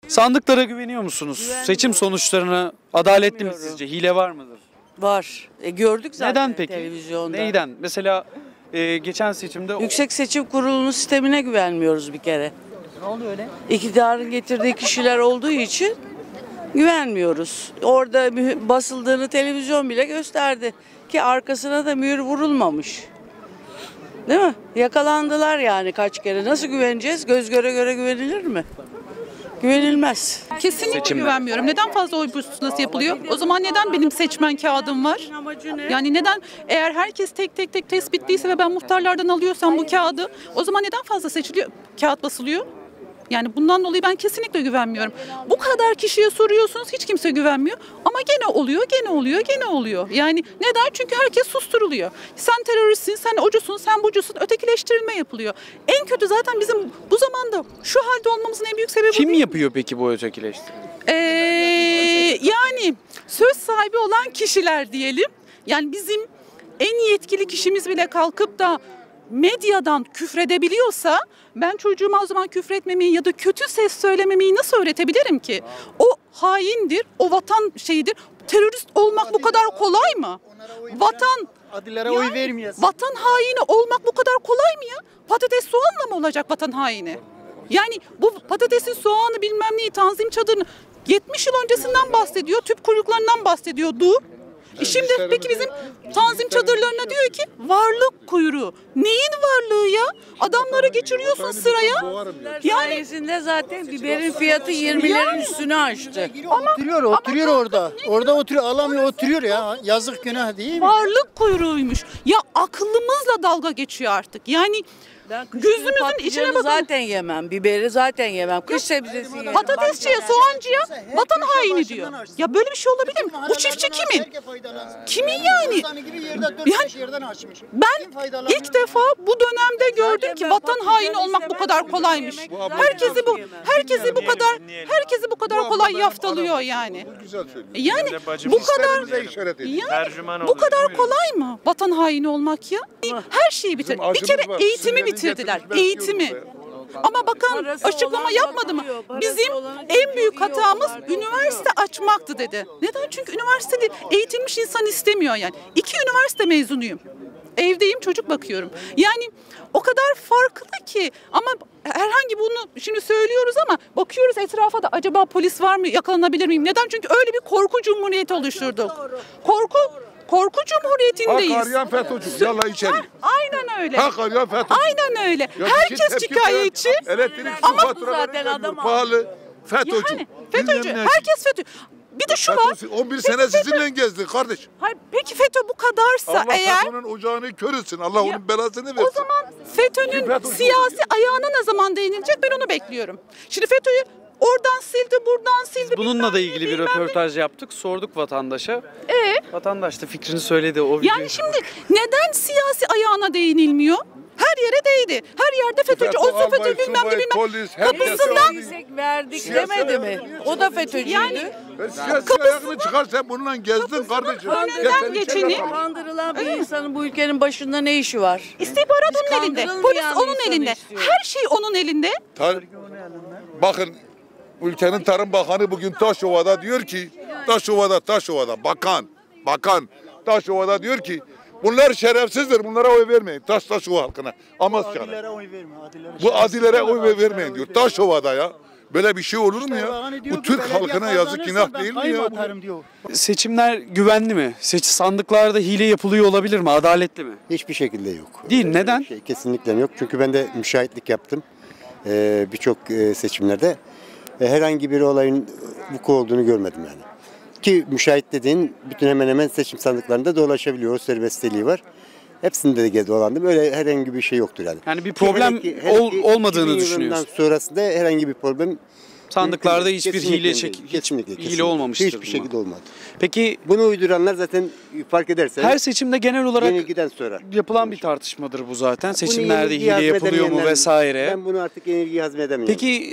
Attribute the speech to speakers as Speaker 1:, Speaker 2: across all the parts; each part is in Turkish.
Speaker 1: Sandıklara güveniyor musunuz? Seçim sonuçlarına adaletli mi sizce? Hile var mıdır?
Speaker 2: Var. Gördük zaten.
Speaker 1: Neden peki?
Speaker 2: Televizyonda.
Speaker 1: Neyden? Mesela geçen seçimde
Speaker 2: Yüksek Seçim Kurulu'nun sistemine güvenmiyoruz bir kere.
Speaker 1: ne oluyor öyle?
Speaker 2: İktidarın getirdiği kişiler olduğu için güvenmiyoruz. Orada basıldığını televizyon bile gösterdi ki arkasına da mühür vurulmamış. Değil mi? Yakalandılar yani kaç kere. Nasıl güveneceğiz? Göz göre göre güvenilir mi? Güvenilmez.
Speaker 3: Kesinlikle güvenmiyorum. Neden fazla oy pusulası yapılıyor? O zaman neden benim seçmen kağıdım var? Yani neden eğer herkes tek tek tespitliyse ve ben muhtarlardan alıyorsam bu kağıdı, o zaman neden fazla seçiliyor? Kağıt basılıyor. Yani bundan dolayı ben kesinlikle güvenmiyorum. Bu kadar kişiye soruyorsunuz, hiç kimse güvenmiyor. Ama gene oluyor, gene oluyor, gene oluyor. Yani neden? Çünkü herkes susturuluyor. Sen teröristsin, sen ocusun, sen bucusun. Ötekileştirilme yapılıyor. En kötü zaten bizim bu zamanda şu halde olmamızın en büyük sebebi
Speaker 1: Kim
Speaker 3: bu değil.
Speaker 1: yapıyor peki bu ötekileştirmeyi?
Speaker 3: Yani söz sahibi olan kişiler diyelim. Yani bizim en yetkili kişimiz bile kalkıp da medyadan küfredebiliyorsa ben çocuğuma o zaman küfretmemeyi ya da kötü ses söylememeyi nasıl öğretebilirim ki? O haindir, o vatan şeyidir. Terörist olmak bu kadar kolay mı?
Speaker 4: Adilere oy vermiyorsun.
Speaker 3: Vatan haini olmak bu kadar kolay mı ya? Patates soğanla mı olacak vatan haini? Yani bu patatesin soğanı bilmem neyi tanzim çadırını 70 yıl öncesinden bahsediyor, tüp kuyruklarından bahsediyordu. Şimdi peki bizim tanzim çadırlarına diyor ki varlık kuyruğu. Neyin varlığı ya? Adamları geçiriyorsun sıraya. Yani
Speaker 2: Sayesinde zaten biberin fiyatı 20'lerin üstünü aştı.
Speaker 4: Oturuyor orada. Orada oturuyor, alamıyor, oturuyor ya. Yazık, günah değil mi?
Speaker 3: varlık kuyruğuymuş. Ya aklımızla dalga geçiyor artık. Yani gözümüzün içine bakın.
Speaker 2: Zaten yemem, biberi zaten yemem, kış sebzesi yemem.
Speaker 3: Patatesçiye, soğancıya vatan haini diyor. Ya böyle bir şey olabilir mi? Bu çiftçi kimin? Kimin yani? Ben ilk defa bu dönemde gördüm ki vatan haini olmak bu kadar kolaymış. Herkesi bu kadar kolay yaftalıyor yani. Yani bu kadar kolay mı vatan haini olmak ya? Her şeyi bitir. Bir kere eğitimi bitirdiler. Eğitimi. Ama bakan açıklama yapmadı mı? Bizim en büyük hatamız üniversite açmaktı dedi. Neden? Çünkü üniversitede eğitilmiş insan istemiyor yani. 2 üniversite mezunuyum. Evdeyim, çocuk bakıyorum. Yani o kadar farklı ki ama herhangi bunu şimdi söylüyoruz ama bakıyoruz etrafa da acaba polis var mı, yakalanabilir miyim? Neden? Çünkü öyle bir korku cumhuriyeti oluşturduk. Korku cumhuriyetindeyiz.
Speaker 5: Hak arayan FETÖ'cü. Yalla içeri.
Speaker 3: Aynen öyle.
Speaker 5: Hak arayan FETÖ'cü.
Speaker 3: Aynen öyle. Herkes şikayetçi.
Speaker 5: Elektrik su
Speaker 2: Ama
Speaker 5: faturaları
Speaker 2: zaten adam
Speaker 5: pahalı. FETÖ'cü.
Speaker 3: Yani FETÖ'cü. Herkes FETÖ. Bir de şu var.
Speaker 5: 11 sene sizinle gezdi kardeş.
Speaker 3: Hayır, peki FETÖ bu kadarsa
Speaker 5: Allah
Speaker 3: eğer
Speaker 5: FETÖ'nün ocağını kör etsin. Allah onun belasını versin.
Speaker 3: o zaman FETÖ'nün siyasi ayağına ne zaman değinilecek ben onu bekliyorum. Şimdi FETÖ'yü oradan sildi, buradan sildi.
Speaker 1: Bununla da ilgili bir röportaj yaptık. Sorduk vatandaşa. Vatandaş da fikrini söyledi o videoyu.
Speaker 3: Yani şimdi neden siyasi ayağına değinilmiyor? Her yere değdi. Her yerde FETÖ'cü, o FETÖ'cü bilmem ne bilmem.
Speaker 5: Polis,
Speaker 3: Kapısından
Speaker 2: Verdik demedi mi? O da FETÖ'cüydü.
Speaker 3: yani
Speaker 5: Siyasi ayağını çıkar sen bununla gezdin kardeşim.
Speaker 3: önünden geçeni
Speaker 2: Kandırılan bir insanın bu ülkenin başında ne işi var?
Speaker 3: istihbarat onun elinde.
Speaker 2: kandırılmayan
Speaker 3: Polis onun
Speaker 2: insanı
Speaker 3: elinde.
Speaker 2: istiyoruz.
Speaker 3: Her şey onun elinde.
Speaker 5: Bakın ülkenin Tarım Bakanı bugün Taşova'da diyor ki Taşova'da bakan Taşova'da diyor ki bunlar şerefsizdir. Bunlara oy vermeyin. Taşova halkına. Amasya'na.
Speaker 4: Adilere oy verme.
Speaker 5: Bu adilere oy vermeyin diyor. Taşova'da ya. Böyle bir şey olur mu ya? Bu Türk halkına yazık günah değil mi ya?
Speaker 1: Seçimler güvenli mi? Sandıklarda hile yapılıyor olabilir mi? Adaletli mi?
Speaker 6: Hiçbir şekilde yok.
Speaker 1: Değil. Neden?
Speaker 6: Kesinlikle yok. Çünkü ben de müşahitlik yaptım birçok seçimlerde. Herhangi bir olayın vuku olduğunu görmedim yani. Ki müşahit dediğin bütün hemen hemen seçim sandıklarında dolaşabiliyor. O serbestliği var. Hepsinde de dolandım. Öyle herhangi bir şey yoktur yani.
Speaker 1: Yani bir problem olmadığını
Speaker 6: 2000
Speaker 1: düşünüyorsun.
Speaker 6: yılından sonrasında herhangi bir problem
Speaker 1: Sandıklarda hiçbir
Speaker 6: kesinlikle
Speaker 1: hile olmamıştır.
Speaker 6: Hiçbir şekilde olmadı.
Speaker 1: Peki
Speaker 6: Bunu uyduranlar zaten fark edersen
Speaker 1: her seçimde genel olarak
Speaker 6: yenilgiden sonra
Speaker 1: yapılan bir tartışmadır bu zaten. Seçimlerde
Speaker 6: yenilgiyi
Speaker 1: hile yapılıyor mu
Speaker 6: hazmedemeyenler-
Speaker 1: vesaire.
Speaker 6: Ben bunu artık yenilgiyi hazmedemiyorum.
Speaker 1: Peki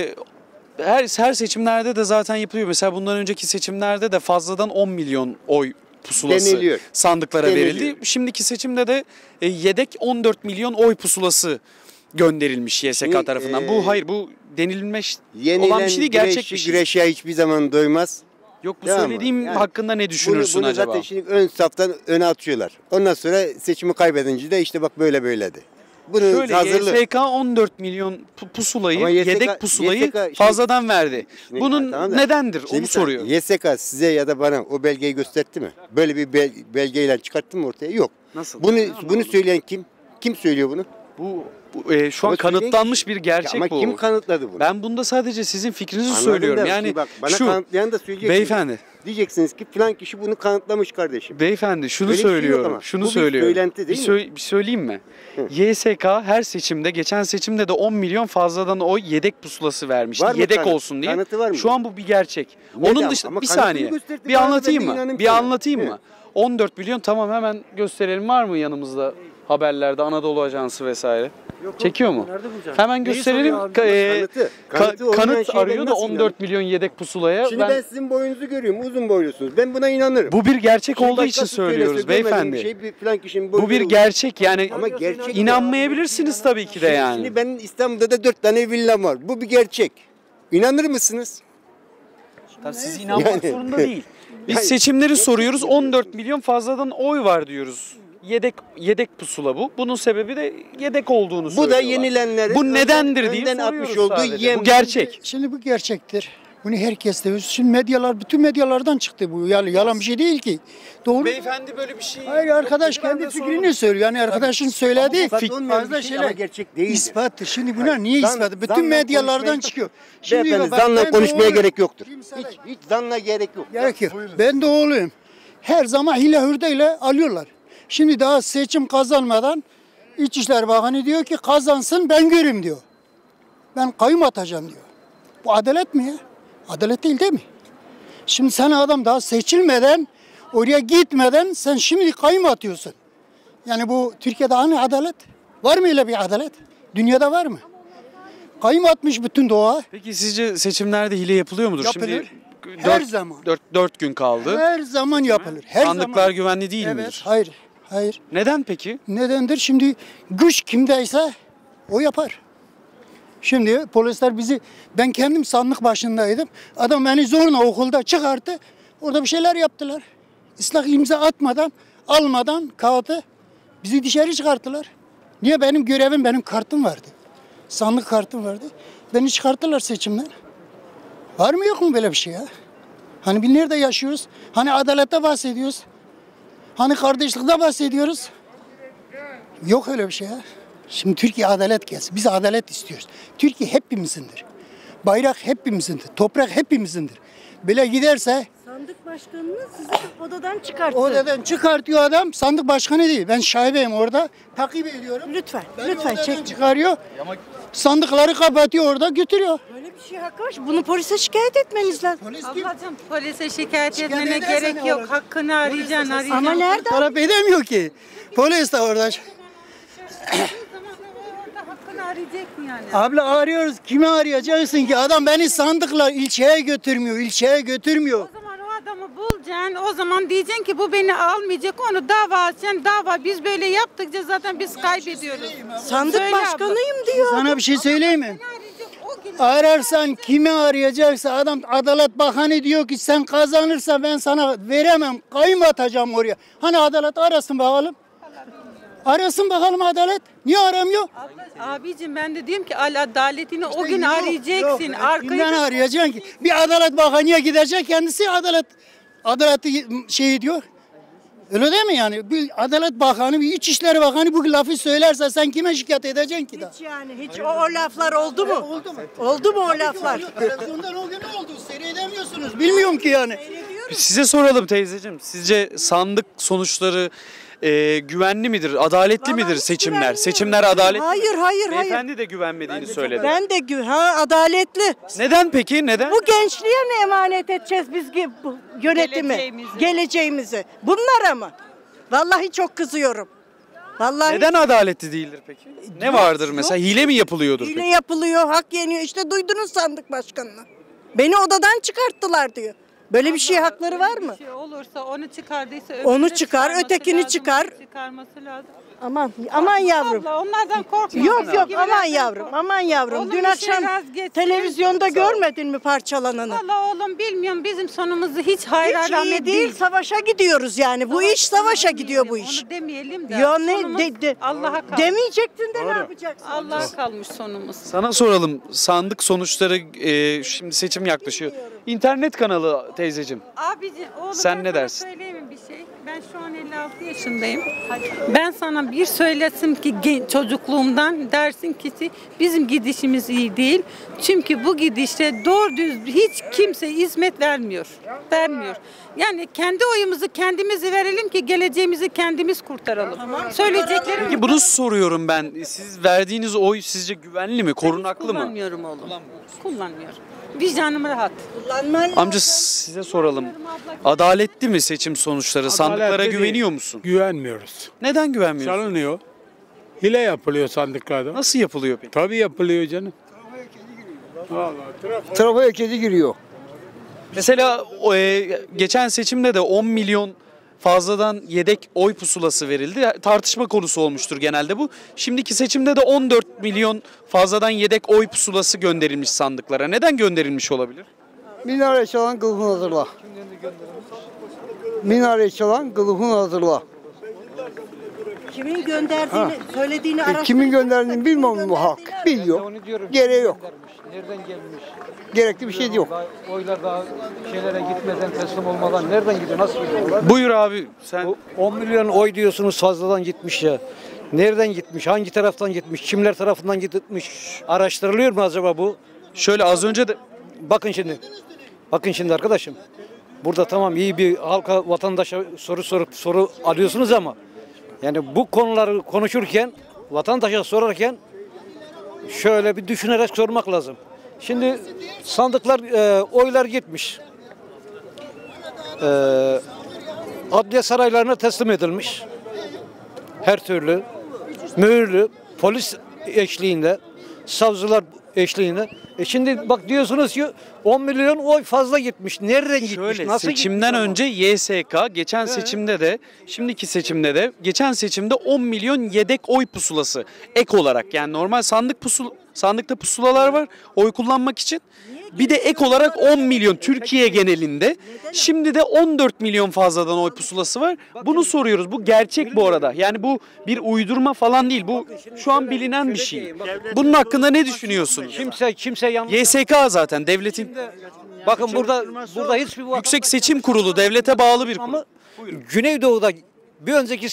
Speaker 1: her seçimlerde de zaten yapılıyor. Mesela bundan önceki seçimlerde de fazladan 10 milyon oy pusulası
Speaker 6: Deniliyor.
Speaker 1: sandıklara
Speaker 6: Deniliyor.
Speaker 1: verildi. Şimdiki seçimde de yedek 14 milyon oy pusulası gönderilmiş YSK tarafından. Bu denilmiş
Speaker 6: Yenilen
Speaker 1: olan bir şey değil, gerçek bir şey.
Speaker 6: güreşe hiçbir zaman doymaz.
Speaker 1: Yok bu
Speaker 6: Tamam mı?
Speaker 1: söylediğim
Speaker 6: Yani
Speaker 1: hakkında ne düşünürsün
Speaker 6: bunu
Speaker 1: acaba?
Speaker 6: zaten şimdi ön saftan öne atıyorlar. Ondan sonra seçimi kaybedince de işte bak böyledi. Bunu
Speaker 1: Şöyle
Speaker 6: hazırlı.
Speaker 1: YSK 14 milyon pusulayı,
Speaker 6: Ama YSK
Speaker 1: yedek pusulayı
Speaker 6: şimdi-
Speaker 1: fazladan verdi.
Speaker 6: Şimdi-
Speaker 1: Bunun
Speaker 6: tamam da-
Speaker 1: nedendir?
Speaker 6: Şimdi
Speaker 1: Onu soruyor.
Speaker 6: YSK size ya da bana o belgeyi gösterdi mi? Böyle bir belgeyle çıkarttı mı ortaya? Yok.
Speaker 1: Nasıl?
Speaker 6: Bunu söyleyen kim? Kim söylüyor bunu?
Speaker 1: Bu şu an
Speaker 6: Ama
Speaker 1: kanıtlanmış bir gerçek
Speaker 6: Ama
Speaker 1: bu.
Speaker 6: kim kanıtladı bunu?
Speaker 1: Ben bunda sadece sizin fikrinizi
Speaker 6: Anladım
Speaker 1: söylüyorum.
Speaker 6: da
Speaker 1: Yani
Speaker 6: şimdi bak, bana
Speaker 1: şu
Speaker 6: kanıtlayan da söyleyecek.
Speaker 1: beyefendi,
Speaker 6: Diyeceksiniz ki falan kişi bunu kanıtlamış kardeşim.
Speaker 1: beyefendi şunu
Speaker 6: Öyle bir şey yok
Speaker 1: söylüyorum.
Speaker 6: ama.
Speaker 1: Şunu
Speaker 6: Bu bir
Speaker 1: söylüyorum.
Speaker 6: söylenti değil mi?
Speaker 1: Bir söyleyeyim mi? YSK her seçimde, geçen seçimde de 10 milyon fazladan oy yedek pusulası vermişti.
Speaker 6: Var mı
Speaker 1: Yedek
Speaker 6: kanıt?
Speaker 1: olsun diye.
Speaker 6: Kanıtı var mı?
Speaker 1: Şu an bu bir gerçek.
Speaker 6: Neden?
Speaker 1: Onun dışında
Speaker 6: Ama
Speaker 1: bir
Speaker 6: kanıtını
Speaker 1: saniye.
Speaker 6: gösterdi
Speaker 1: Bir
Speaker 6: bana,
Speaker 1: anlatayım
Speaker 6: ben de
Speaker 1: mı?
Speaker 6: inanayım
Speaker 1: Bir
Speaker 6: sana.
Speaker 1: anlatayım
Speaker 6: Evet.
Speaker 1: mı? 14 milyon tamam hemen gösterelim. Var mı yanımızda haberlerde Anadolu Ajansı vesaire? Çekiyor mu? Hemen gösterelim.
Speaker 6: Kanıtı olmayan
Speaker 1: Kanıt
Speaker 6: şeyden
Speaker 1: arıyor da
Speaker 6: nasıl
Speaker 1: 14 milyon yedek pusulaya.
Speaker 6: Şimdi ben sizin boyunuzu görüyorum. Uzun boylusunuz. Ben buna inanırım.
Speaker 1: Bu bir gerçek
Speaker 6: Şimdi
Speaker 1: olduğu için
Speaker 6: başkası söylese,
Speaker 1: söylüyoruz
Speaker 6: görmediğim
Speaker 1: beyefendi.
Speaker 6: bir şey, bir falan kişinin
Speaker 1: Bu bir
Speaker 6: boynu-
Speaker 1: gerçek yani.
Speaker 6: Ama gerçek.
Speaker 1: İnanmayabilirsiniz tabii ki de yani.
Speaker 6: Şimdi benim İstanbul'da da 4 tane villam var. Bu bir gerçek. İnanır mısınız?
Speaker 1: Tabii siz inanmak
Speaker 6: Yani-
Speaker 1: zorunda değil. Biz
Speaker 6: Yani-
Speaker 1: seçimleri soruyoruz. 14 milyon fazladan oy var diyoruz. Yedek pusula bu. Bunun sebebi de yedek olduğunu
Speaker 6: Bu
Speaker 1: söylüyorlar.
Speaker 6: da yenilenlerin
Speaker 1: Bu nedendir diye
Speaker 6: önden
Speaker 1: soruyoruz
Speaker 6: atmış olduğu
Speaker 1: sadece.
Speaker 6: yem.
Speaker 1: Bu gerçek.
Speaker 4: Şimdi bu gerçektir. Bunu herkes de. Şimdi medyalar, bütün medyalardan çıktı bu. Yani yalan bir şey değil ki. Doğru.
Speaker 1: Beyefendi böyle bir şey.
Speaker 4: Hayır arkadaş kendi fikrini söylüyor. Yani arkadaşın söylediği
Speaker 6: ispat olmayan
Speaker 4: fazla
Speaker 6: bir şey
Speaker 4: şeyler.
Speaker 6: ama gerçek değildir.
Speaker 4: İspattır. Şimdi buna niye
Speaker 6: Zan-
Speaker 4: ispatı? Bütün
Speaker 6: zanla
Speaker 4: medyalardan
Speaker 6: konuşmaya-
Speaker 4: çıkıyor.
Speaker 6: Beyefendi
Speaker 4: bak,
Speaker 6: zanla
Speaker 4: ben
Speaker 6: konuşmaya
Speaker 4: doğru-
Speaker 6: gerek yoktur.
Speaker 4: Kimse-
Speaker 6: Hiç zanla gerek yok.
Speaker 4: Gerek yok. Ben de oğluyum. Her zaman hile hurdeyle alıyorlar. Şimdi daha seçim kazanmadan İçişleri Bakanı diyor ki kazansın ben göreyim diyor. Ben kayyum atacağım diyor. Bu adalet mi ya? Adalet değil mi? Şimdi sen adam daha seçilmeden, oraya gitmeden sen şimdi kayyum atıyorsun. Yani bu Türkiye'de hani adalet? Var mı öyle bir adalet? Dünyada var mı? Kayyum atmış bütün doğa.
Speaker 1: Peki sizce seçimlerde hile yapılıyor mudur?
Speaker 4: Yapılır.
Speaker 1: Şimdi
Speaker 4: Her zaman.
Speaker 1: 4 gün kaldı.
Speaker 4: Her zaman yapılır. Her
Speaker 1: Sandıklar
Speaker 4: zaman.
Speaker 1: güvenli değil
Speaker 4: Evet,
Speaker 1: midir?
Speaker 4: hayır. Hayır.
Speaker 1: Neden peki?
Speaker 4: Nedendir? Şimdi güç kimdeyse o yapar. Şimdi polisler ben kendim sandık başındaydım. Adam beni zorla okulda çıkarttı. Orada bir şeyler yaptılar. Islak imza atmadan, almadan kağıdı bizi dışarı çıkarttılar. Niye? Benim görevim, benim kartım vardı. Sandık kartım vardı. Beni çıkarttılar seçimden. Var mı yok mu böyle bir şey ya? Hani biz nerede yaşıyoruz? Hani adalette bahsediyoruz? Hani kardeşlikte bahsediyoruz? Yok öyle bir şey ya. Şimdi Türkiye adalet gelsin. Biz adalet istiyoruz. Türkiye hepimizindir. Bayrak hepimizindir. Toprak hepimizindir. Böyle giderse
Speaker 7: Sandık başkanını sizi odadan çıkarttı.
Speaker 4: odadan çıkartıyor adam. Sandık başkanı değil. Ben şahibeyim orada. Takip ediyorum.
Speaker 7: Lütfen,
Speaker 4: Beni
Speaker 7: lütfen
Speaker 4: odadan
Speaker 7: çek.
Speaker 4: çıkarıyor. Sandıkları kapatıyor orada götürüyor.
Speaker 7: Böyle bir şey hakkı var. Bunu polise şikayet etmeniz lazım.
Speaker 4: Polis kim?
Speaker 8: Ablacığım polise şikayet
Speaker 4: Şikayet
Speaker 8: etmene
Speaker 4: edersen
Speaker 8: gerek
Speaker 4: ne
Speaker 8: yok.
Speaker 4: olur?
Speaker 8: Hakkını arayacaksın, arayacaksın.
Speaker 7: Ama nerede?
Speaker 4: Talep edemiyor ki. Polis de orada.
Speaker 8: Hakkını arayacaksın yani.
Speaker 4: Abla arıyoruz. Kimi arayacaksın ki? Adam beni sandıkla ilçeye götürmüyor. İlçeye götürmüyor.
Speaker 8: O zaman o adamı bulacaksın. O zaman diyeceksin ki bu beni almayacak. Onu dava açacaksın. Dava biz böyle yaptıkça zaten biz kaybediyoruz.
Speaker 7: Sandık
Speaker 8: Söyle abla.
Speaker 7: başkanıyım diyor.
Speaker 4: Sana bir şey söyleyeyim mi?
Speaker 8: Seni arayacak o gün.
Speaker 4: Ararsan kimi arayacaksa adam Adalet Bakanı diyor ki sen kazanırsa ben sana veremem. Kayyum atacağım oraya. Hani adalet arasın bakalım. Arasın bakalım adalet. Niye aramıyor?
Speaker 8: Abicim ben de diyorum ki adaletini o gün
Speaker 4: Yok,
Speaker 8: arayacaksın.
Speaker 4: yok.
Speaker 8: Arkayı
Speaker 4: Kimden arayacaksın ki? Bir Adalet Bakanı'ya gidecek kendisi adaleti şey diyor. Öyle değil mi yani? Bir Adalet Bakanı, bir İçişleri Bakanı bu lafı söylerse sen kime şikayet edeceksin ki daha?
Speaker 7: Hiç yani hiç o laflar oldu mu?
Speaker 4: Oldu mu?
Speaker 7: Oldu mu o laflar?
Speaker 4: Televizyondan o gün oldu. Seyredemiyorsunuz. Bilmiyorum ki yani.
Speaker 1: Size soralım teyzeciğim. Sizce sandık sonuçları güvenli midir? Adaletli midir
Speaker 7: hiç
Speaker 1: seçimler?
Speaker 7: güvenmiyorum.
Speaker 1: Seçimler adaletli.
Speaker 7: Hayır.
Speaker 1: Beyefendi de güvenmediğini söyledi.
Speaker 7: Ben de adaletli.
Speaker 1: Neden peki? Neden?
Speaker 7: Bu gençliğe mi emanet edeceğiz biz bu yönetimi? Geleceğimizi. Bunlara mı? Vallahi çok kızıyorum. Vallahi
Speaker 1: Neden adaletli değildir peki? Ne vardır mesela? Hile mi yapılıyordur
Speaker 7: hile
Speaker 1: peki?
Speaker 7: yapılıyor, hak yeniyor. İşte duydunuz sandık başkanını. Beni odadan çıkarttılar diyor. Böyle bir şey hakları var mı?
Speaker 8: Bir şey olursa onu çıkardıysa
Speaker 7: Onu
Speaker 8: öbürünü
Speaker 7: çıkar,
Speaker 8: çıkarması
Speaker 7: ötekini
Speaker 8: lazım,
Speaker 7: çıkar.
Speaker 8: Çıkarması lazım.
Speaker 7: Aman yavrum.
Speaker 8: Abla, onlardan korkma.
Speaker 7: Yok aman
Speaker 8: Gibilerden
Speaker 7: yavrum,
Speaker 8: kork.
Speaker 7: aman yavrum.
Speaker 8: Oğlum,
Speaker 7: Dün
Speaker 8: bir şey
Speaker 7: akşam
Speaker 8: vazgeçsin.
Speaker 7: televizyonda görmedin mi parçalananı?
Speaker 8: Valla oğlum bilmiyorum, bizim sonumuzu hiç hayır
Speaker 7: Hiç iyi
Speaker 8: alamet
Speaker 7: değil, savaşa gidiyoruz yani. Bu iş savaşa gidiyor bu iş.
Speaker 8: Onu demeyelim de.
Speaker 7: Ya ne
Speaker 8: sonumuz Allah'a kalmış.
Speaker 7: demeyecektin de ne yapacaksın?
Speaker 8: Allah'a kalmış sonumuz.
Speaker 1: Sana soralım, sandık sonuçları şimdi seçim yaklaşıyor. İnternet kanalı teyzeciğim.
Speaker 8: Abici, oğlum
Speaker 1: Sen
Speaker 8: ben
Speaker 1: ne
Speaker 8: sana
Speaker 1: dersin?
Speaker 8: söyleyeyim mi bir şey? Ben şu an 56 yaşındayım. Ben sana bir söylesim ki çocukluğumdan dersin ki bizim gidişimiz iyi değil. Çünkü bu gidişte doğru düz hiç kimse hizmet vermiyor. Yani kendi oyumuzu kendimizi verelim ki geleceğimizi kendimiz kurtaralım. Söyleyeceklerim
Speaker 1: Peki bunu soruyorum ben. Siz verdiğiniz oy sizce güvenli mi, korunaklı mı?
Speaker 8: kullanmıyorum oğlum. Kullanmıyorum. Vicdanım rahat.
Speaker 1: Amca size soralım. Adaletli mi seçim sonuçları? Sandıklara
Speaker 9: Adaletli
Speaker 1: güveniyor
Speaker 9: değil.
Speaker 1: musun?
Speaker 9: Güvenmiyoruz.
Speaker 1: Neden güvenmiyorsun?
Speaker 9: Çalınıyor. Hile yapılıyor sandıklarda.
Speaker 1: Nasıl yapılıyor peki?
Speaker 9: Tabii yapılıyor canım.
Speaker 10: Trafoya kedi giriyor.
Speaker 1: Mesela geçen seçimde de 10 milyon fazladan yedek oy pusulası verildi. Tartışma konusu olmuştur genelde bu. Şimdiki seçimde de 14 milyon fazladan yedek oy pusulası gönderilmiş sandıklara. Neden gönderilmiş olabilir?
Speaker 10: Minare çalan kılıfını hazırla. Minare çalan kılıfını hazırla.
Speaker 7: Kimin gönderdiğini, söylediğini araştır.
Speaker 10: Kimin gönderdiğini bilmem bu halk. Biliyor. Gereği yok.
Speaker 11: Nereden gelmiş?
Speaker 10: Gerekli bir şey yok.
Speaker 11: Oylar daha şeylere gitmeden, teslim olmadan nereden gidiyor? Nasıl gidiyor?
Speaker 1: Buyur abi sen.
Speaker 11: 10 milyon oy diyorsunuz fazladan gitmiş ya. Nereden gitmiş? Hangi taraftan gitmiş? Kimler tarafından gitmiş? Araştırılıyor mu acaba bu?
Speaker 1: Şöyle az önce de
Speaker 11: Bakın şimdi. Bakın şimdi arkadaşım. Burada tamam iyi bir halka, vatandaşa soru alıyorsunuz ama yani bu konuları konuşurken, vatandaşa sorarken şöyle bir düşünerek sormak lazım. Şimdi sandıklar, oylar gitmiş. Adliye saraylarına teslim edilmiş. Her türlü mühürlü, polis eşliğinde, savcılar eşliğinde. Şimdi bak diyorsunuz ki 10 milyon oy fazla gitmiş. Nereden gitmiş?
Speaker 1: şöyle
Speaker 11: Nasıl
Speaker 1: seçimden
Speaker 11: gitmiş
Speaker 1: önce YSK, geçen seçimde de, şimdiki seçimde de, geçen seçimde 10 milyon yedek oy pusulası ek olarak, yani normal sandıkta pusulalar var oy kullanmak için. Bir de ek olarak 10 milyon Türkiye genelinde. Şimdi de 14 milyon fazladan oy pusulası var. Bunu soruyoruz. Bu gerçek bu arada. Yani bu bir uydurma falan değil. Bu şu an bilinen bir şey. Bunun hakkında ne düşünüyorsunuz?
Speaker 11: Kimse yanlış.
Speaker 1: YSK zaten devletin,
Speaker 11: Bakın burada hiçbir
Speaker 1: Yüksek Seçim Kurulu, devlete bağlı bir kurul.
Speaker 11: ama Güneydoğu'da bir önceki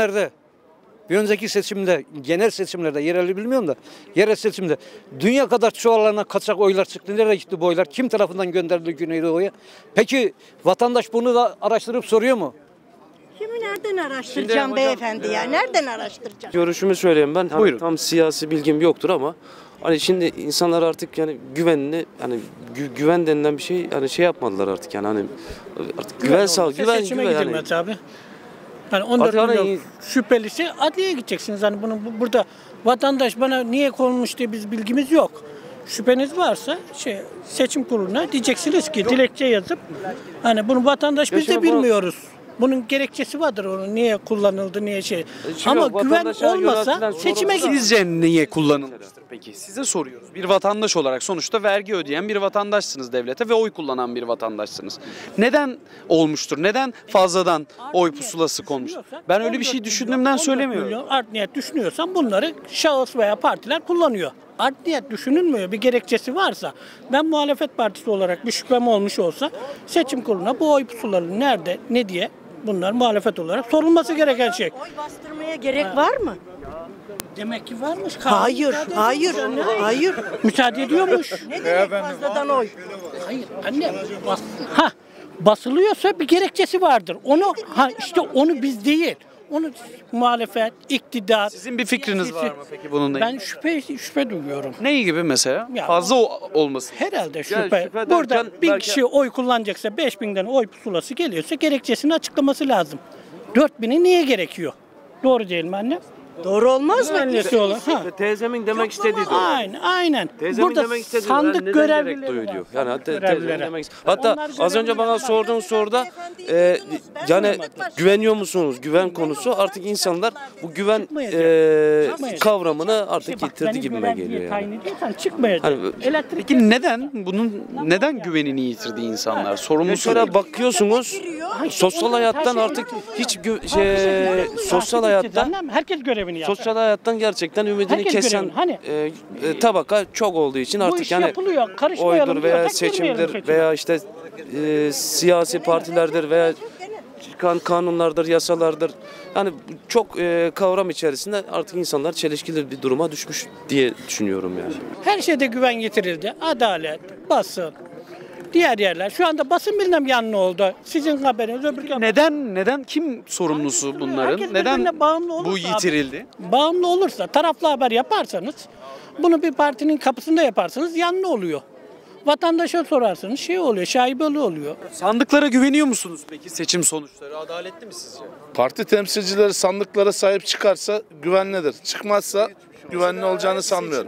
Speaker 11: seçimde, genel seçimlerde, yerel bilmiyorum da, yerel seçimde dünya kadar çoğalana kaçak oylar çıktı. Nereye gitti bu oylar? Kim tarafından gönderildi Güneydoğu'ya? Peki vatandaş bunu da araştırıp soruyor mu?
Speaker 7: Kimi nereden araştıracağım beyefendi ya? Nereden araştıracağım?
Speaker 12: Görüşümü söyleyeyim ben.
Speaker 1: Buyurun.
Speaker 12: Tam siyasi bilgim yoktur ama hani şimdi insanlar artık yani güvenini, hani güven denilen bir şey, hani şey yapmadılar artık, yani hani artık güven
Speaker 13: Seçime gidilmez
Speaker 12: yani.
Speaker 13: abi. Hani 14
Speaker 12: Artık
Speaker 13: milyon
Speaker 12: hani-
Speaker 13: şüphelisi adliyeye gideceksiniz. Hani bunu burada vatandaş bana niye konmuş diye biz bilgimiz yok. Şüpheniz varsa seçim kuruluna diyeceksiniz ki dilekçe yazıp hani bunu vatandaş biz de bilmiyoruz. Bunun gerekçesi vardır, onun niye kullanıldı, niye şey. Ama güven olmasa seçime gidin.
Speaker 1: Sizce niye kullanılmıştır peki? Size soruyoruz. Bir vatandaş olarak sonuçta vergi ödeyen bir vatandaşsınız devlete ve oy kullanan bir vatandaşsınız. Neden olmuştur? Neden fazladan oy pusulası konmuş? Ben öyle bir şey düşündüğümden söylemiyorum.
Speaker 13: Art niyet düşünüyorsan bunları şahıs veya partiler kullanıyor. Art niyet düşünülmüyor. Bir gerekçesi varsa, ben muhalefet partisi olarak bir şüphem olmuş olsa seçim kuruluna bu oy pusulaları nerede, ne diye bunlar muhalefet olarak sorulması gereken şey.
Speaker 7: Oy bastırmaya gerek var mı?
Speaker 13: Demek ki varmış.
Speaker 7: Hayır.
Speaker 13: Müsaade ediyormuş.
Speaker 7: Ne demek fazladan oy?
Speaker 13: Hayır anne. Basılıyorsa bir gerekçesi vardır. Onu biz değil. Onu muhalefet, iktidar.
Speaker 1: Sizin bir fikriniz var mı peki bununla
Speaker 13: Ben
Speaker 1: ilgili?
Speaker 13: şüphe duyuyorum.
Speaker 1: Ne gibi mesela?
Speaker 13: Ya,
Speaker 1: Fazla olması.
Speaker 13: Herhalde
Speaker 12: Yani
Speaker 13: şüphe.
Speaker 12: şüphe
Speaker 13: Burada
Speaker 12: derken
Speaker 13: 1000
Speaker 12: belki-
Speaker 13: kişi oy kullanacaksa 5000'den oy pusulası geliyorsa gerekçesini açıklaması lazım. 4000'i niye gerekiyor? Doğru değil mi anne?
Speaker 2: Doğru olmaz mı?
Speaker 13: Güvenlisi olan. Ha.
Speaker 12: Teyzemin demek istediği de o.
Speaker 13: Aynen.
Speaker 12: Teyzemin
Speaker 13: Burada
Speaker 12: demek istediği
Speaker 13: sandık
Speaker 12: neden
Speaker 13: görevlileri
Speaker 12: gerek duyuyor diyor. Yani hatta
Speaker 13: Görevlilere.
Speaker 12: hatta
Speaker 13: Onlar
Speaker 12: az önce bana
Speaker 13: görevliler.
Speaker 12: sorduğun soruda yani güveniyor musunuz? Güven konusu artık insanlar bu güven kavramını artık yitirdi gibime geliyor yani.
Speaker 13: Çıkmayacak.
Speaker 12: Hani,
Speaker 1: Peki neden güvenini yitirdi insanlar? Sorumlusu
Speaker 12: mesela bakıyorsunuz sosyal hayattan artık hiç sosyal hayattan
Speaker 13: herkes görevini yapar.
Speaker 12: sosyal hayattan gerçekten ümidini
Speaker 13: Herkes
Speaker 12: kesen
Speaker 13: görevini.
Speaker 12: tabaka çok olduğu için
Speaker 13: Bu
Speaker 12: artık
Speaker 13: iş
Speaker 12: yani
Speaker 13: yapılıyor, karışmayalım
Speaker 12: oydur
Speaker 13: diyor,
Speaker 12: veya
Speaker 13: tek girmeyelim
Speaker 12: seçimdir
Speaker 13: seçime.
Speaker 12: veya işte siyasi partilerdir veya çıkan kanunlardır, yasalardır. Yani çok kavram içerisinde artık insanlar çelişkili bir duruma düşmüş diye düşünüyorum yani.
Speaker 13: Her şeyde güven getirildi. Adalet, basın, diğer yerler. Şu anda basın bilmem yanlı oldu. Sizin haberiniz öbür
Speaker 1: Neden kim sorumlusu bunların?
Speaker 13: Herkes
Speaker 1: Neden
Speaker 13: birbirine bağımlı olursa
Speaker 1: bu yitirildi?
Speaker 13: Bağımlı olursa, taraflı haber yaparsanız, bunu bir partinin kapısında yaparsanız yanlı oluyor. Vatandaşa sorarsanız oluyor, şaibeli oluyor.
Speaker 1: Sandıklara güveniyor musunuz peki? Seçim sonuçları adaletli mi sizce?
Speaker 14: Parti temsilcileri sandıklara sahip çıkarsa güvenlidir. Çıkmazsa güvenli olacağını sanmıyorum.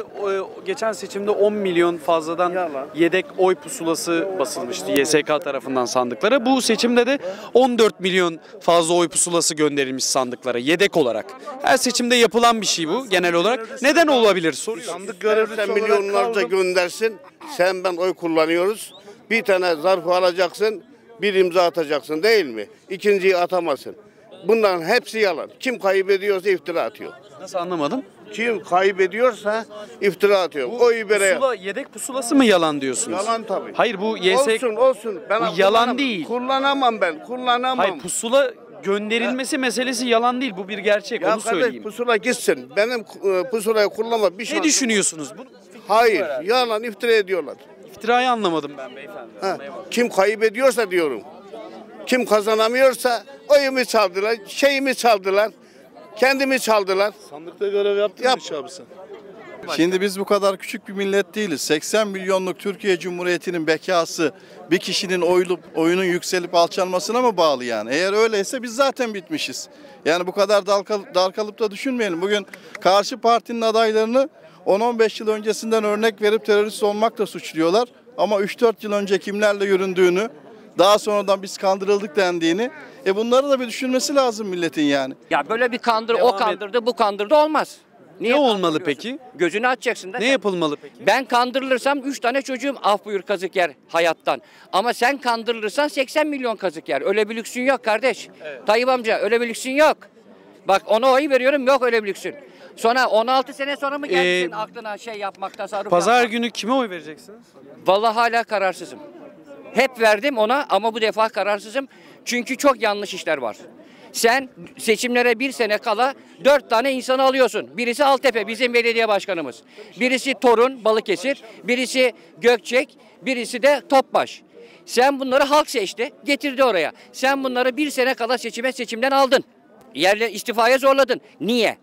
Speaker 1: Geçen seçimde 10 milyon fazladan yedek oy pusulası basılmıştı YSK tarafından sandıklara. Bu seçimde de 14 milyon fazla oy pusulası gönderilmiş sandıklara yedek olarak. Her seçimde yapılan bir şey bu genel olarak. Neden olabilir soruyorum.
Speaker 14: Sandık görevlisi
Speaker 15: Sen
Speaker 14: olarak
Speaker 15: milyonlarca
Speaker 14: kaldım.
Speaker 15: göndersin. Sen ben oy kullanıyoruz. Bir tane zarfı alacaksın. Bir imza atacaksın değil mi? İkinciyi atamazsın. Bunların hepsi yalan. Kim kaybediyorsa iftira atıyor.
Speaker 1: Nasıl anlamadım?
Speaker 15: Kim kaybediyorsa iftira atıyor. Oyu bere.
Speaker 1: Yedek pusulası mı yalan diyorsunuz?
Speaker 15: Yalan tabii.
Speaker 1: Hayır bu YSK...
Speaker 15: Olsun. Ben
Speaker 1: Bu yalan değil.
Speaker 15: Kullanamam ben. Kullanamam.
Speaker 1: Hayır pusula gönderilmesi meselesi yalan değil. Bu bir gerçek.
Speaker 15: Ya
Speaker 1: Onu söyleyeyim.
Speaker 15: pusula gitsin. Benim pusulayı kullanma bir şey.
Speaker 1: Ne düşünüyorsunuz? Bunu
Speaker 15: Hayır. Yalan iftira ediyorlar.
Speaker 1: İftirayı anlamadım ben beyefendi.
Speaker 15: Kim kaybediyorsa diyorum. Kim kazanamıyorsa oyumu çaldılar, şeyimi çaldılar, kendimi çaldılar.
Speaker 14: Sandıkta görev yaptın mı hiç abi sen?
Speaker 16: Şimdi biz bu kadar küçük bir millet değiliz. 80 milyonluk Türkiye Cumhuriyeti'nin bekası bir kişinin oyunun yükselip alçalmasına mı bağlı yani? Eğer öyleyse biz zaten bitmişiz. Yani bu kadar dar kalıp da düşünmeyelim. Bugün karşı partinin adaylarını 10-15 yıl öncesinden örnek verip terörist olmakla suçluyorlar. Ama 3-4 yıl önce kimlerle yüründüğünü, daha sonradan biz kandırıldık dendiğini, bunları da bir düşünmesi lazım milletin yani.
Speaker 17: Ya böyle bir o kandırdı, bu kandırdı olmaz.
Speaker 1: Ne olmalı peki?
Speaker 17: Gözünü açacaksın da.
Speaker 1: Ne yapılmalı peki?
Speaker 17: Ben kandırılırsam 3 tane çocuğum af buyur kazık yer hayattan. Ama sen kandırılırsan 80 milyon kazık yer. Öyle bir lüksün yok kardeş. Evet. Tayyip amca öyle bir lüksün yok. Bak ona oy veriyorum, yok öyle bir lüksün. Sonra 16 sene sonra mı geldi senin aklına yapmak, tasarruf
Speaker 1: Pazar
Speaker 17: yapmak?
Speaker 1: günü kime oy vereceksiniz?
Speaker 17: Vallahi hala kararsızım. Hep verdim ona ama bu defa kararsızım. Çünkü çok yanlış işler var. Sen seçimlere bir sene kala 4 tane insanı alıyorsun. Birisi Altepe, bizim belediye başkanımız. Birisi Torun, Balıkesir. Birisi Gökçek. Birisi de Topbaş. Sen bunları halk seçti, getirdi oraya. Sen bunları bir sene kala seçimden aldın. Yerle istifaya zorladın. Niye?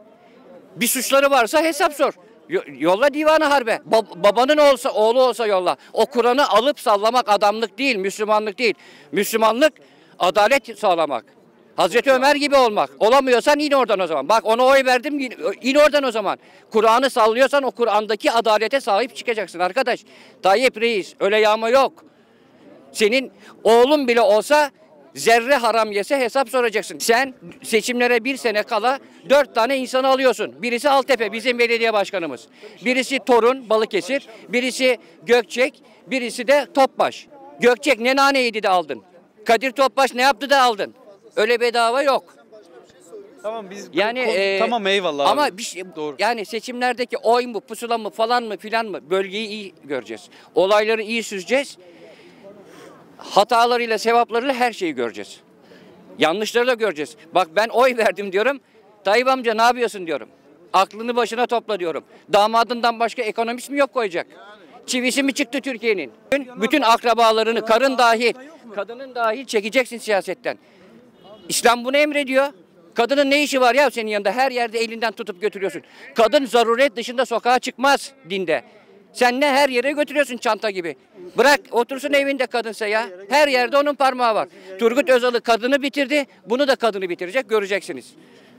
Speaker 17: Bir suçları varsa hesap sor. Yolla divanı harbe. Babanın oğlu olsa yolla. O Kur'an'ı alıp sallamak adamlık değil, Müslümanlık değil. Müslümanlık adalet sağlamak. Hazreti Ömer gibi olmak. Olamıyorsan in oradan o zaman. Bak ona oy verdim, in oradan o zaman. Kur'an'ı sallıyorsan o Kur'an'daki adalete sahip çıkacaksın arkadaş. Tayyip Reis öyle yağma yok. Senin oğlun bile olsa zerre haram yese hesap soracaksın. Sen seçimlere bir sene kala 4 tane insanı alıyorsun. Birisi Altepe, bizim belediye başkanımız. Birisi Torun, Balıkesir. Birisi Gökçek. Birisi de Topbaş. Gökçek ne nane yedi de aldın. Kadir Topbaş ne yaptı da aldın. Öyle bedava yok.
Speaker 1: Tamam biz
Speaker 17: tamam
Speaker 1: eyvallah.
Speaker 17: Ama
Speaker 1: abi.
Speaker 17: bir şey,
Speaker 1: Doğru.
Speaker 17: yani seçimlerdeki oy mu, pusula mı falan mı filan mı bölgeyi iyi göreceğiz. Olayları iyi süzeceğiz. Hatalarıyla, sevaplarıyla her şeyi göreceğiz. Yanlışları da göreceğiz. Bak ben oy verdim diyorum. Tayyip amca ne yapıyorsun diyorum. Aklını başına topla diyorum. Damadından başka ekonomist mi yok koyacak? Çivisi mi çıktı Türkiye'nin? Bütün akrabalarını, karın dahil, kadının dahil çekeceksin siyasetten. İslam bunu emrediyor. Kadının ne işi var ya senin yanında? Her yerde elinden tutup götürüyorsun. Kadın zaruret dışında sokağa çıkmaz dinde. Sen ne her yere götürüyorsun çanta gibi. Bırak otursun evinde kadınsa ya. Her yerde onun parmağı var. Turgut Özal'ı kadını bitirdi. Bunu da kadını bitirecek göreceksiniz.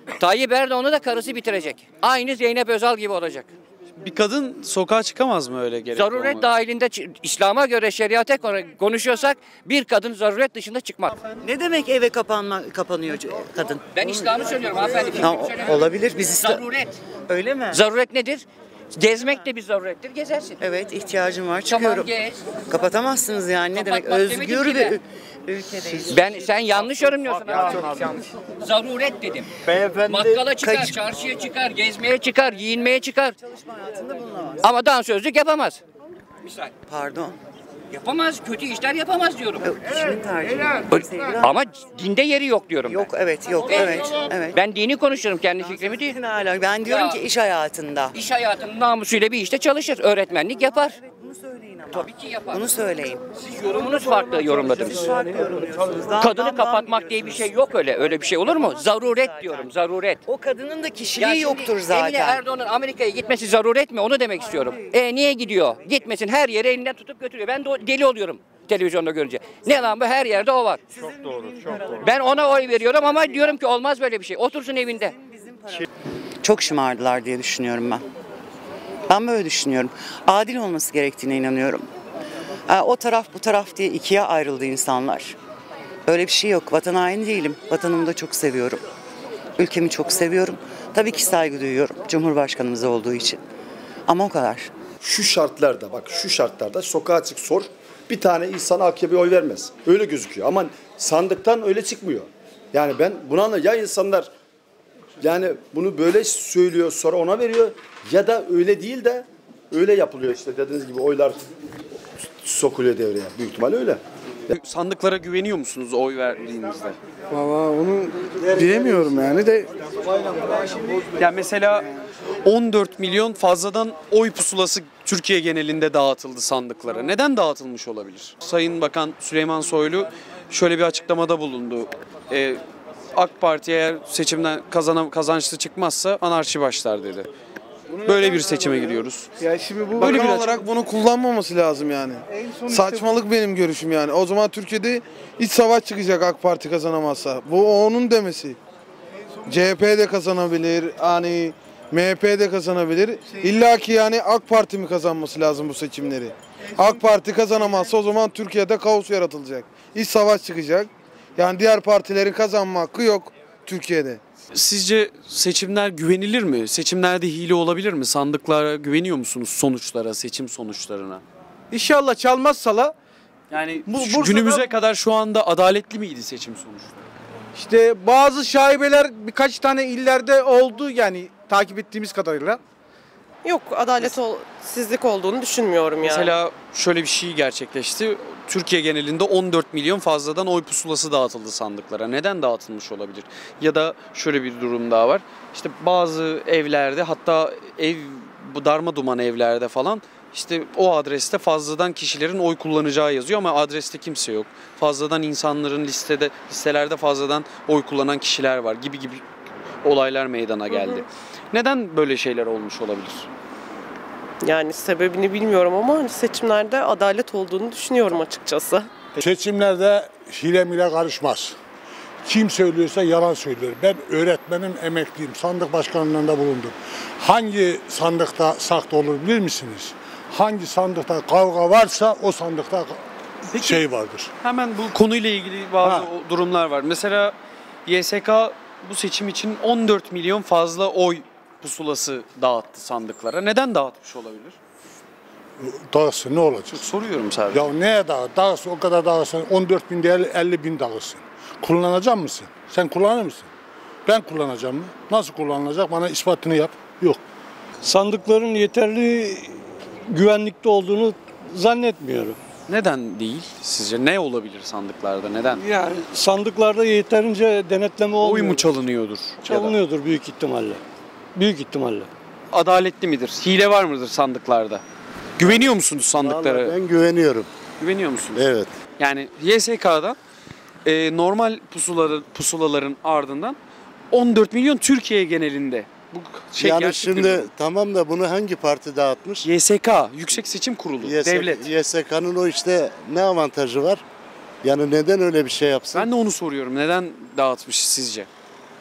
Speaker 17: Tayyip Erdoğan'ı da karısı bitirecek. Aynı Zeynep Özal gibi olacak.
Speaker 1: Bir kadın sokağa çıkamaz mı öyle gerek?
Speaker 17: Zaruret dahilinde İslam'a göre şeriate konuşuyorsak bir kadın zaruret dışında çıkmaz.
Speaker 18: Ne demek eve kapanıyor kadın?
Speaker 17: Ben İslam'ı söylüyorum hanımefendi.
Speaker 18: Olabilir. Biz
Speaker 17: Zaruret.
Speaker 18: Öyle mi?
Speaker 17: Zaruret nedir? Gezmek de bir zarurettir. Gezersin.
Speaker 18: Evet, ihtiyacım var. Çıkıyorum.
Speaker 17: Tamam, gez.
Speaker 18: Kapatamazsınız yani. Ne demek?
Speaker 17: Kapatmak
Speaker 18: Özgür
Speaker 17: demedim ki
Speaker 18: bir
Speaker 17: de.
Speaker 18: ülkedeyiz.
Speaker 17: Sen yanlış yorumluyorsun. Zaruret dedim. Bakkala çıkar, çarşıya çıkar, gezmeye çıkar, giyinmeye çıkar.
Speaker 18: Çalışma hayatında bulunamaz.
Speaker 17: Ama dansözlük yapamaz. Misal.
Speaker 18: Pardon.
Speaker 17: Yapamaz, kötü işler yapamaz diyorum.
Speaker 18: Kişinin tercihi.
Speaker 17: Ama dinde yeri yok diyorum ben.
Speaker 18: Yok, evet.
Speaker 17: Ben dini konuşuyorum, kendi fikrimi değil.
Speaker 18: Ben diyorum ki iş hayatında.
Speaker 17: İş hayatının namusuyla bir işte çalışır, öğretmenlik yapar.
Speaker 18: Bunu söyleyin ama.
Speaker 17: Tabii ki yapar.
Speaker 18: Bunu söyleyin.
Speaker 17: Siz yorumunuz farklı yorumladınız.
Speaker 18: Siz farklı yorumluyorsunuz.
Speaker 17: Kadını kapatmak diye bir şey yok öyle. Öyle bir şey olur mu? Zaruret diyorum, zaruret.
Speaker 18: O kadının da kişiliği yoktur zaten.
Speaker 17: Emine Erdoğan'ın Amerika'ya gitmesi zaruret mi? Onu demek istiyorum. Niye gidiyor? Gitmesin, her yere elinden tutup götürüyor. Ben de deli oluyorum televizyonda görünce. Ne lan bu? Her yerde o var.
Speaker 18: Çok doğru.
Speaker 17: Ben ona oy veriyorum ama diyorum ki olmaz böyle bir şey. Otursun evinde.
Speaker 18: Çok şımardılar diye düşünüyorum ben. Ben böyle düşünüyorum. Adil olması gerektiğine inanıyorum. O taraf bu taraf diye ikiye ayrıldı insanlar. Öyle bir şey yok. Vatan haini değilim. Vatanımı da çok seviyorum. Ülkemi çok seviyorum. Tabii ki saygı duyuyorum. Cumhurbaşkanımız olduğu için. Ama o kadar.
Speaker 19: Şu şartlarda sokağa çık sor. Bir tane insan AKP'ye oy vermez. Öyle gözüküyor. Ama sandıktan öyle çıkmıyor. Yani ben buna ya insanlar yani bunu böyle söylüyor sonra ona veriyor ya da öyle değil de öyle yapılıyor işte dediğiniz gibi oylar sokuluyor devreye. Büyük ihtimalle öyle.
Speaker 1: Sandıklara güveniyor musunuz oy verdiğinizde?
Speaker 14: Valla onu diyemiyorum yani de.
Speaker 1: Yani mesela 14 milyon fazladan oy pusulası Türkiye genelinde dağıtıldı sandıklara. Neden dağıtılmış olabilir? Sayın Bakan Süleyman Soylu şöyle bir açıklamada bulundu. AK Parti eğer seçimden kazançlı çıkmazsa anarşi başlar dedi. Böyle bir seçime giriyoruz.
Speaker 14: Ya şimdi bu
Speaker 1: Böyle
Speaker 14: bakan
Speaker 1: bir
Speaker 14: olarak bunu kullanmaması lazım yani. Saçmalık benim görüşüm yani. O zaman Türkiye'de iç savaş çıkacak AK Parti kazanamazsa. Bu onun demesi. CHP de kazanabilir, hani MHP de kazanabilir. İlla ki yani AK Parti mi kazanması lazım bu seçimleri? AK Parti kazanamazsa o zaman Türkiye'de kaos yaratılacak. İç savaş çıkacak. Yani diğer partilerin kazanma hakkı yok Türkiye'de.
Speaker 1: Sizce seçimler güvenilir mi? Seçimlerde hile olabilir mi? Sandıklara güveniyor musunuz sonuçlara, seçim sonuçlarına?
Speaker 14: İnşallah çalmazsalar.
Speaker 1: Yani günümüze kadar şu anda adaletli miydi seçim sonuçları?
Speaker 14: İşte bazı şaibeler birkaç tane illerde oldu yani takip ettiğimiz kadarıyla.
Speaker 20: Yok, adaletsizlik olduğunu düşünmüyorum yani.
Speaker 1: Mesela şöyle bir şey gerçekleşti. Türkiye genelinde 14 milyon fazladan oy pusulası dağıtıldı sandıklara. Neden dağıtılmış olabilir? Ya da şöyle bir durum daha var. İşte bazı evlerde, hatta bu darma duman evlerde falan işte o adreste fazladan kişilerin oy kullanacağı yazıyor ama adreste kimse yok. Fazladan insanların listelerde fazladan oy kullanan kişiler var gibi olaylar meydana geldi. Neden böyle şeyler olmuş olabilir?
Speaker 20: Yani sebebini bilmiyorum ama hani seçimlerde adalet olduğunu düşünüyorum açıkçası.
Speaker 21: Seçimlerde hile mile karışmaz. Kim söylüyorsa yalan söylüyor. Ben öğretmenim, emekliyim. Sandık başkanlığında bulundum. Hangi sandıkta saklı olur bilir misiniz? Hangi sandıkta kavga varsa o sandıkta şey vardır.
Speaker 1: Hemen bu konuyla ilgili bazı durumlar var. Mesela YSK bu seçim için 14 milyon fazla oy pusulası dağıttı sandıklara. Neden dağıtmış olabilir?
Speaker 21: Dağılsın ne olacak?
Speaker 1: Soruyorum sadece.
Speaker 21: Ya neye dağılsın? O kadar dağılsın. 14 bin değil 50 bin dağılsın. Kullanacak mısın? Sen kullanır mısın? Ben kullanacağım mı? Nasıl kullanılacak? Bana ispatını yap. Yok.
Speaker 22: Sandıkların yeterli güvenlikte olduğunu zannetmiyorum.
Speaker 1: Neden değil? Sizce ne olabilir sandıklarda? Neden?
Speaker 22: Yani sandıklarda yeterince denetleme olmuyor.
Speaker 1: Oy mu çalınıyordur?
Speaker 22: Çalınıyordur büyük ihtimalle. Büyük ihtimalle.
Speaker 1: Adaletli midir? Hile var mıdır sandıklarda? Güveniyor musunuz sandıklara?
Speaker 23: Vallahi ben güveniyorum.
Speaker 1: Güveniyor musunuz?
Speaker 23: Evet.
Speaker 1: Yani YSK'da normal pusulaların ardından 14 milyon Türkiye genelinde. Bu
Speaker 23: yani şimdi tamam da bunu hangi parti dağıtmış?
Speaker 1: YSK, Yüksek Seçim Kurulu, devlet.
Speaker 23: YSK'nın o işte ne avantajı var? Yani neden öyle bir şey yapsın?
Speaker 1: Ben de onu soruyorum. Neden dağıtmış sizce?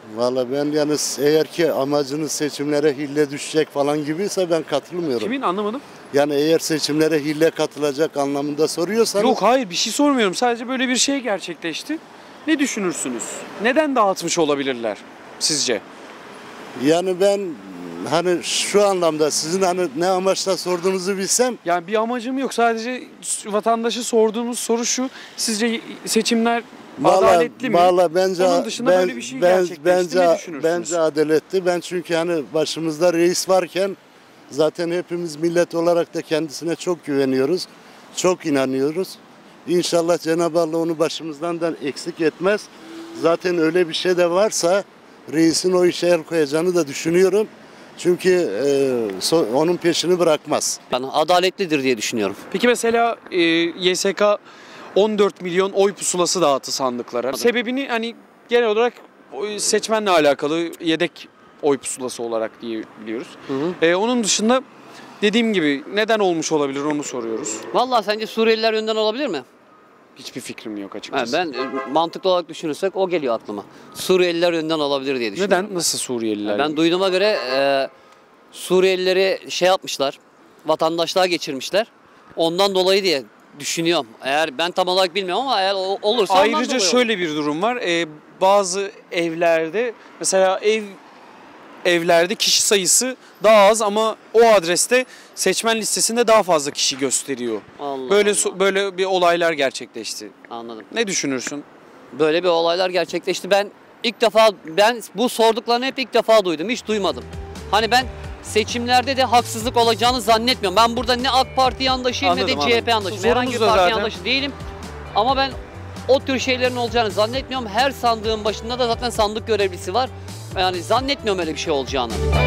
Speaker 23: Valla ben yani eğer ki amacınız seçimlere hille düşecek falan gibiyse ben katılmıyorum.
Speaker 1: Kimin, anlamadım.
Speaker 23: Yani eğer seçimlere hille katılacak anlamında soruyorsanız.
Speaker 1: Yok hayır, bir şey sormuyorum. Sadece böyle bir şey gerçekleşti. Ne düşünürsünüz? Neden dağıtmış olabilirler sizce?
Speaker 23: Yani ben hani şu anlamda sizin hani ne amaçla sorduğunuzu bilsem.
Speaker 1: Yani bir amacım yok. Sadece vatandaşı sorduğumuz soru şu. Sizce seçimler adaletli mi?
Speaker 23: Valla bence
Speaker 1: Onun dışında böyle bir şey gerçekleşti. Ne düşünürsünüz?
Speaker 23: Bence adaletli. Ben çünkü hani başımızda reis varken zaten hepimiz millet olarak da kendisine çok güveniyoruz. Çok inanıyoruz. İnşallah Cenab-ı Allah onu başımızdan da eksik etmez. Zaten öyle bir şey de varsa reisin o işe el koyacağını da düşünüyorum. Çünkü onun peşini bırakmaz.
Speaker 3: Ben adaletlidir diye düşünüyorum.
Speaker 1: Peki mesela YSK 14 milyon oy pusulası dağıttı sandıklara. Sebebini hani genel olarak seçmenle alakalı yedek oy pusulası olarak diye biliyoruz. Onun dışında dediğim gibi neden olmuş olabilir onu soruyoruz.
Speaker 3: Vallahi sence Suriyeliler önden olabilir mi?
Speaker 1: Hiçbir fikrim yok açıkçası.
Speaker 3: Ben mantıklı olarak düşünürsek o geliyor aklıma. Suriyeliler önden olabilir diye düşünüyorum.
Speaker 1: Neden? Nasıl Suriyeliler?
Speaker 3: Ben duyduğuma göre Suriyelileri şey yapmışlar, vatandaşlığa geçirmişler. Ondan dolayı diye düşünüyorum. Eğer ben tam olarak bilmiyorum ama eğer olursa
Speaker 1: ayrıca şöyle bir durum var. Bazı evlerde mesela evlerde kişi sayısı daha az ama o adreste seçmen listesinde daha fazla kişi gösteriyor. Böyle bir olaylar gerçekleşti.
Speaker 3: Anladım.
Speaker 1: Ne düşünürsün?
Speaker 3: Böyle bir olaylar gerçekleşti. Ben bu sorduklarını hep ilk defa duydum. Hiç duymadım. Hani ben seçimlerde de haksızlık olacağını zannetmiyorum. Ben burada ne AK Parti yandaşıyım ne de CHP yandaşıyım. Herhangi bir parti yandaşı değilim. Ama ben o tür şeylerin olacağını zannetmiyorum. Her sandığın başında da zaten sandık görevlisi var. Yani zannetmiyorum öyle bir şey olacağını.